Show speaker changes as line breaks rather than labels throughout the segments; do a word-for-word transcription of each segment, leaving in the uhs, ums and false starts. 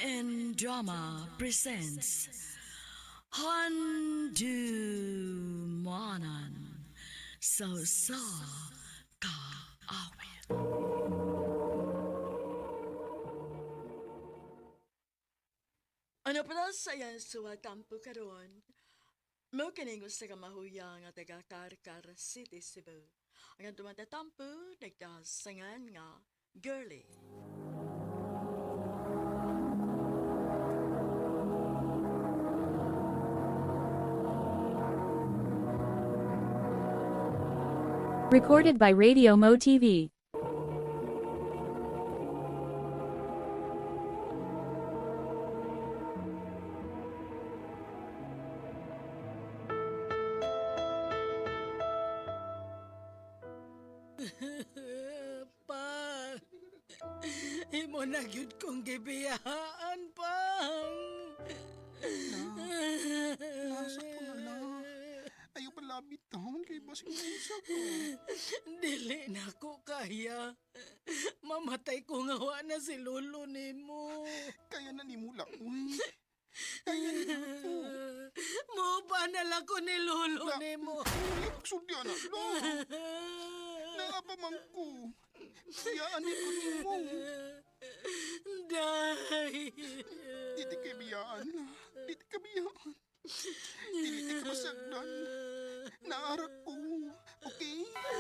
and Drama presents Handumanan So Sa Kaawit. Ano pala saya suwatampo karon? Mo kining usa ka mahuyang nga taga Karkar City, Cebu. Ang tumatatampo nagdasangan nga girly.
Recorded by Radio Mo T V.
Pa, imo na gyud kong gibiyaan, pang.
Nasa ko na lang. Ayaw palabit taon kay basing isa ko.
Dili na ko kaya. Mamatay ko nga wa na si lolo nimo.
Kaya na ni mula, uy. Kaya na ako.
Mo ba na lang ko ni lolo
La-
nimo?
Uy, pagsudya na, lo. Naapaman ko. Biyaan ko ni mo.
Day.
Diti kay biyaan na. Diti ka biyaan. Diti ka masagdan. Naarak ko. Okay?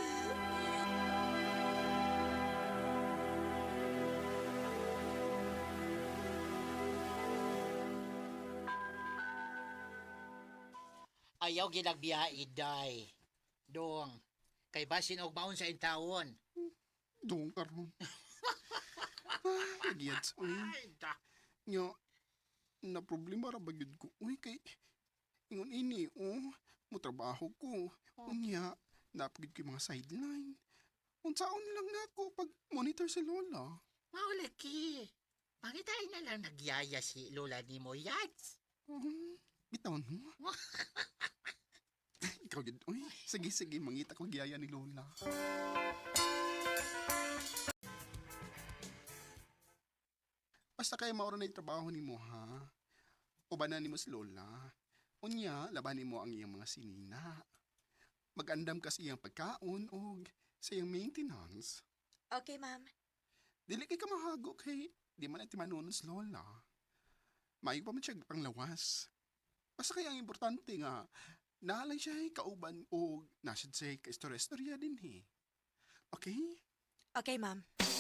Ayaw ginagbiyaid, day. Dong, kay basin og maun sa intawon.
Doon karon. Ay, giyats, uy.
Ay, da.
Nya, na problema ra ba gyud ko? Uy, kay ingon ini, oh, mo trabaho ko. Unya, napagid ko yung mga sideline. Unsaon lang na ako pag monitor si Lola.
Maulaki. Pangitay na lang nagyaya si Lola ni mo, Yats.
Um, bitawan mo. Ikaw yun, uy. Sige, sige, mangita ko giyaya ni Lola. Basta kayo maura na yung trabaho ni mo, ha? Ubanan ni mo si Lola. Unya, labanin mo ang iyang mga sinina. Magandam kasi iyang pagkaon o sa iyang maintenance.
Okay, ma'am.
Dili kay ka mahago kay di man iti manunos Lola. Mayo pa man siya panglawas. Basta kaya ang importante nga, naalay siya ay kauban o nasid siya ka istorya-istorya din he. Okay?
Okay, ma'am.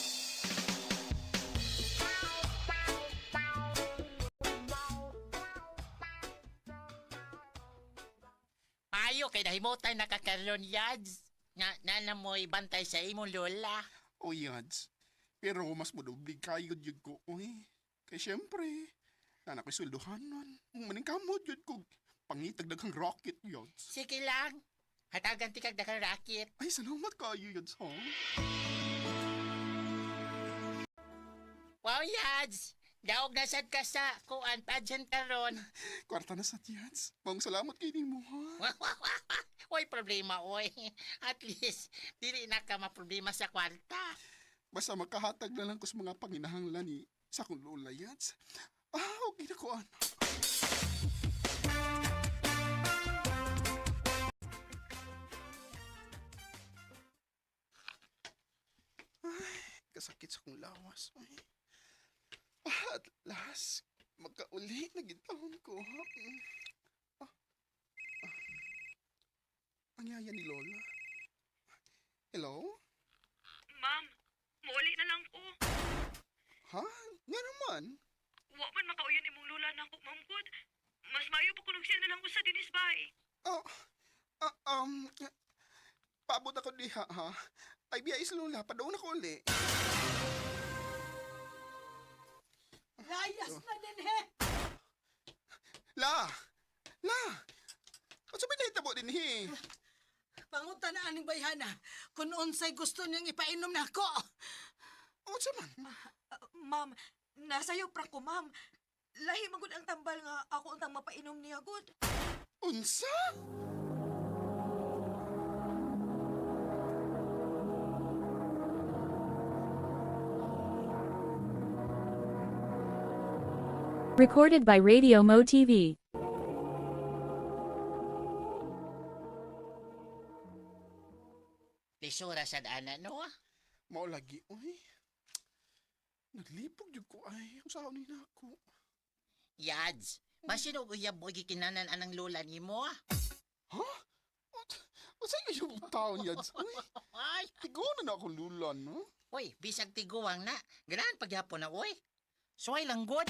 Mayo kay nahimutan nakakaroon, Yads. Nga, nana mo ibantay sa imong Lola.
O yads. Pero mas mudublig kayo yun ko. Uy, kay syempre, nanak ko'y sulduhan nun. Maning kamot yun ko. Pangitag daghang rocket yads.
Sige lang. Hatagan ti kag rakit.
Ay, salamat kayo yads, ha?
Wow, Yads. Daog na sad ka sa kuan pageant karon.
Kwarta na sa yads. Maong salamat kay ni mo, ha?
Oy, problema, oy. At least, dili na ka maproblema sa kwarta.
Basta magkahatag na lang ko sa mga panginahanglan ni sa kong lola yads. Ah, okay na ko, ano. Ay, kasakit sa kong lawas. Ay. Ah, at last, magkauli na gitahon ko, ha? Mm. Ah, ah. Ang yaya ni Lola. Hello?
Ma'am, muuli na lang ko.
Ha? Nga naman?
Wa man makauyan imong lula na ako, ma'am God. Mas mayo pa kung nagsiya na lang ko sa dinis bay.
Oh, ah, um, paabot ako diha, ha? Ay, biya is Lola, padaon ako uli.
Layas na din, he.
La! La! Ano sa pinahitabo din, he?
Pangutan na aning bayhana. Kung unsay gusto niyang ipainom na ako.
Ano sa man?
Uh, ma'am, nasayo pra ko, ma'am. Lahi magud ang tambal nga ako untang mapainom niya, good.
Unsa?
Recorded by Radio Mo T V.
Lisura sa ana, no?
Mao lagi, uy. Naglipog jud ko ay. Ang sao ni nako.
Yads, masino uyab mo gikinanan anang lola ni mo?
Ha? O sa yung taon yads? Uy,
Ay,
tigo na na akong lulan, no?
uy, bisag tiguwang na. Ganahan pagyapon na, uy. Suway lang good.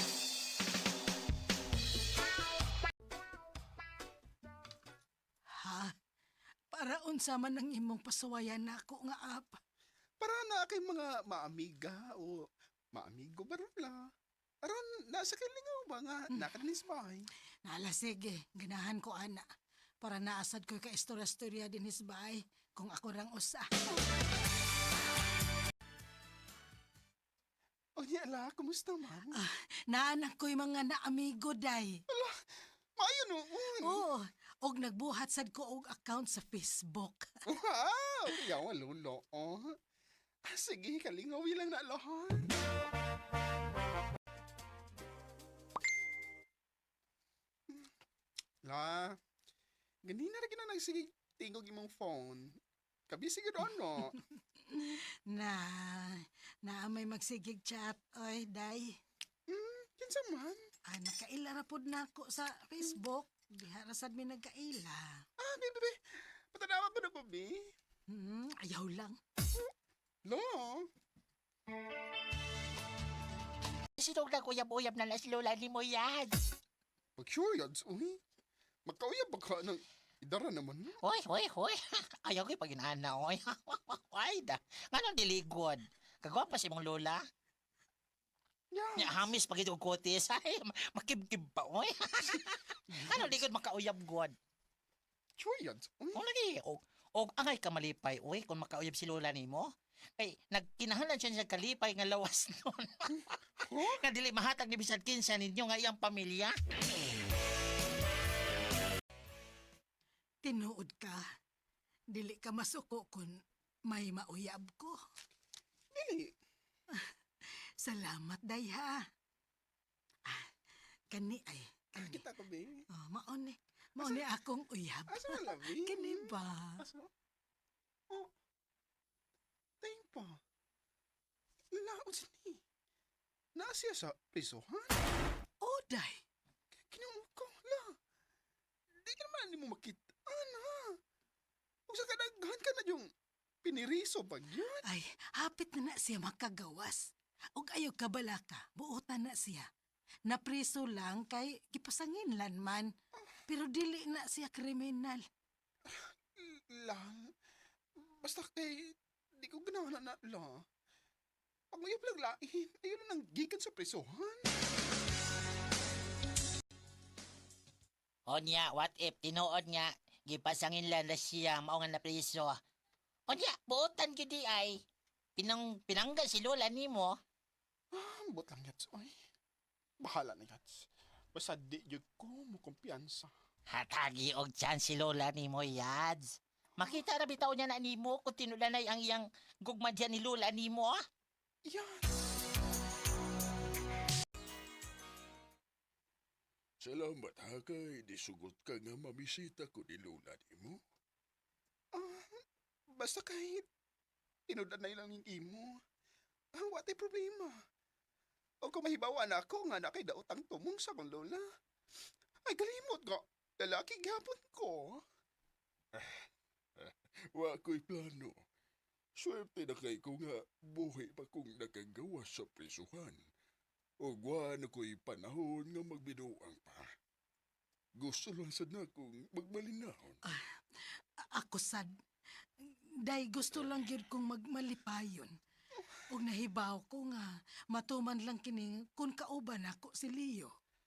Ha? Para unsa man ang imong pasuwayan nako nga apa.
Para na kay mga maamiga o maamigo barula. Aron, nasa kalingaw ba nga nakanisbay?
Nala sige, ganahan ko ana. Para naasad ko ka istorya-istorya din hisbay kung ako rang usa.
O niya ala, kumusta man?
Ah, naanak ko'y mga naamigo day.
Maayo noon.
Oo, og nagbuhat sad ko og account sa Facebook.
Wow! Yawa lolo. Oh. Ah, sige, kalingaw lang na lahat. La, ganina na gina nagsige tingog imong phone. Kabisi gid ano.
Na, na may magsigig chat, oy, day.
Hmm, kinsa man?
Ah, nakaila ra pod nako sa Facebook. Diha ra sad mi nagkaila.
Ah, baby, baby. Patanawa ko na ko, bi.
Hmm, ayaw lang.
Lo.
Sino na uyab-uyab na las lola ni mo, Yads?
Pag sure yads, uy. Magkauyab ba ka ng idara naman no?
Hoy, hoy, hoy. Ayaw ko'y paginana, oy. Ay, da. Nga nang diligod. Kagawa pa si mong lola.
Yes.
Nya hamis pag ito kotis. Ay, ma- makibkib pa, oy. Ano ligod makauyab god?
Sure yads, uy.
O lagi, o, o angay ka malipay, oy, kung makauyab si lola ni mo. Kay, nagkinahalan siya sa kalipay nga lawas nun.
Huh?
Nga dili mahatag ni bisad kinsa ninyo nga iyang pamilya.
Tinuod ka. Dili ka masuko kun may mauyab ko.
Dili.
Salamat, day ha. Ah, kani ay. Kani.
Kita ko, bi.
Oh, maon ni. Maon ni akong uyab.
Asa na labi?
Kani ba?
Asa? Oh. Tain pa. Laon sini. Naasiya sa prisohan?
Oh, day.
Kinamot ko, la. Di ka naman ni mo makita. Ana. Kung sa kadaghan ka na yung piniriso pag yun.
Ay, hapit na na siya makagawas. Og ayaw kabala ka, buotan na siya. Napriso lang kay gipasangin lan man. Pero dili na siya kriminal.
Lang. Basta kay, di ko ganahan na la. Pag may lang lain, ayun na nang gikan sa prisohan.
O niya, what if, tinuod nga, gipasangin lang na siya, mao nga na priso. O niya, buotan gyud di ay. Pinang, pinangga si lola ni mo.
Ah, ambot lang yats. Ay, bahala na yats. Basta di yun ko mo kumpiyansa.
Hatagi og chance si lola ni mo, Yads. Makita na bitaw niya na ni mo kung tinulanay ang iyang gugma dyan ni lola ni mo.
Yan.
Salamat ha kay disugot ka nga mamisita ko ni Lola ni mo.
Ah, basta kahit tinudan na lang yung imo. Ah, wate problema. O kung mahibawa na ako nga na kay daotang tumong sa kong lola. Ay, galimot nga. Lalaki gapon ko.
Wa ko'y plano. Swerte na kay ko nga buhi pa kong nakagawa sa prisuhan. O wa na ko'y panahon nga magbinuang pa. Gusto lang sad na kong magmalinahon.
A- Ako sad. Day gusto lang gyud kong magmalipayon. Og nahibaw ko nga matuman lang kini kun kauban ako si Leo.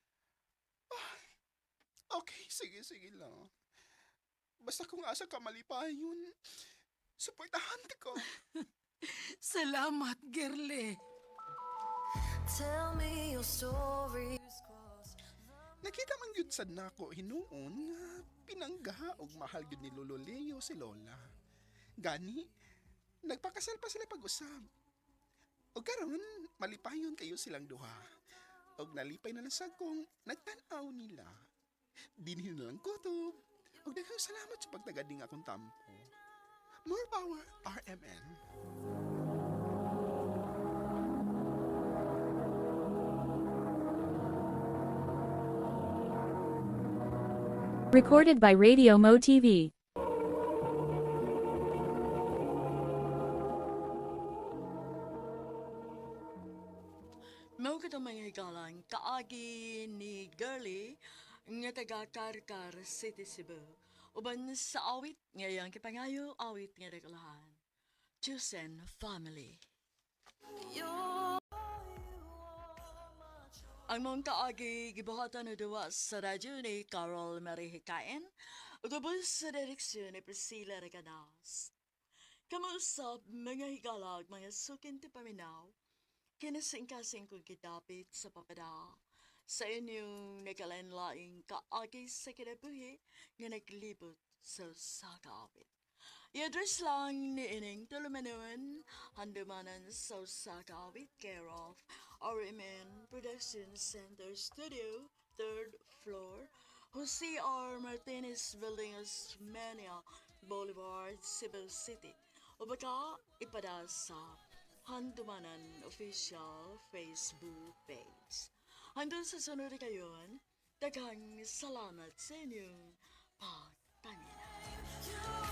Okay, sige, sige lang. Basta kung asa ka malipayon, supportahan ko.
Salamat, girle.
Tell me your story.
Nakita man yun sad nako hinuon nga pinangga og mahal gyud ni Lolo Leo si Lola. Gani, nagpakasal pa sila pag-usab. O karon, malipayon kayo silang duha. og nalipay na nasag kong nagtanaw nila. Dinhin na lang kutob. Og daghang salamat sa pagtagading akong tampo. More power, R M N.
Recorded by Radio Mo T V.
Mao kita mga higalan, kaagi ni Girlie nga taga Karkar City, Cebu. Uban sa awit ngayang kipangayo awit nga regalahan. Chosen Family. Ang mong kaagi gibuhatan na duwa sa radyo ni Carol Marie Hikain, ugabos sa direksyon ni Priscilla Regadas. Kamusap mga higalag mga sukin ti paminaw, kinasing-kasing kong kitapit sa papada sa inyong nakalanlaing kaagi sa kinabuhi nga naglibot sa sakawit. I-address lang ni Ining Tulumanuan, handumanan sa sakawit, care of R M N Production Center Studio, third floor, Jose R. Martinez Building, Osmeña Boulevard, Cebu City. O baka ipada sa Handumanan Official Facebook page. Hanggang sa sunod kayon, daghang salamat sa inyong